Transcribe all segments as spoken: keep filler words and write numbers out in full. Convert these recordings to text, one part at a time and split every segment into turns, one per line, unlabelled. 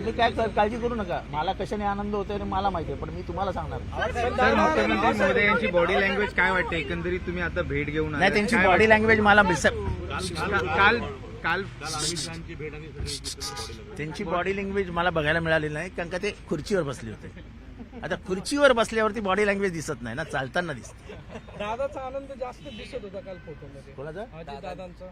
तुम्ही काय काळजी करू नका, मला कशाने आनंद होतोय आणि मला माहिती आहे, पण मी तुम्हाला सांगणार.
सर मुख्यमंत्री महोदय यांची बॉडी लँग्वेज काय वाटते एकंदरीत, तुम्ही आता भेट घेऊन
नाही, त्यांची बॉडी लँग्वेज मला
काल काल
त्यांची बॉडी लँग्वेज मला बघायला मिळालेली नाही, कारण का ते खुर्चीवर बसले होते. आता खुर्चीवर बसल्यावरती बॉडी लँग्वेज दिसत नाही ना, चालताना दिसते.
दादाचा आनंद जास्त दिसत होता काल फोटोमध्ये.
कोणाचा?
दादांचा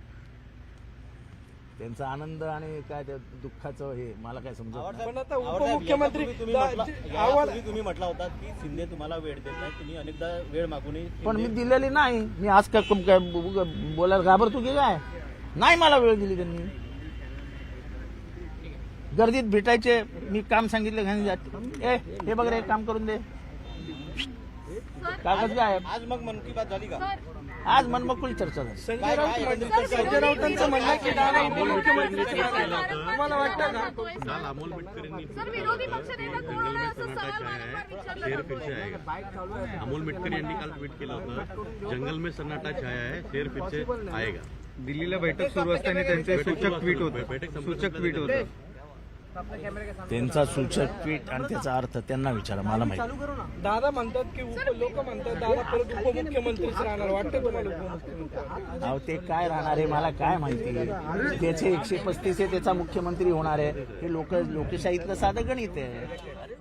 त्यांचा आनंद आणि काय त्या दुःखाचं हे मला काय समजत नाही.
पण आता उपमुख्यमंत्री
तुम्ही म्हटला तुम्ही म्हटला होता की शिंदे तुम्हाला वेळ देत नाही, तुम्ही अनेकदा वेळ मागूनही
पण मी दिलेली नाही. मी आज काय काय बोलायला घाबरतो की काय? नाही मला वेळ दिली त्यांनी. गर्दीत भेटायचे, मी काम सांगितलं घाणी जाते, ए हे बघ रे काम करून दे, कागद काय?
आज मग मन की बात झाली का?
आज मनमोकळी चर्चा झाली.
संजय राऊत म्हणतात, संजय राऊतांचं म्हणणं आहे की दादा उपमुख्यमंत्री तुम्हाला वाटतं का?
काल अमोल मिटकरींनी
सर विरोधी पक्षनेता कोण आहे असं सवाल वारंवार विचारला
शेर
जातो.
फिर से आएगा. अमोल मिटकरी यांनी काल ट्विट केलं होतं, जंगल में सन्नाटा छाया है, शेर फिर से आएगा.
दिल्लीला बैठक सुरू असताना त्यांचे सूचक ट्विट होतं सूचक ट्विट होतं
त्यांचा सूचक ट्विट आणि त्याचा अर्थ त्यांना विचारा, मला माहिती.
दादा म्हणतात की उप लोक म्हणतात दादा परत उपमुख्यमंत्रीच राहणार, वाटतं तुम्हाला उपमुख्यमंत्री?
अहो ते काय राहणार आहे मला काय माहिती. त्याचे एकशे पस्तीस आहे, त्याचा मुख्यमंत्री होणार आहे, हे लोक लोकशाहीतलं साधं गणित आहे.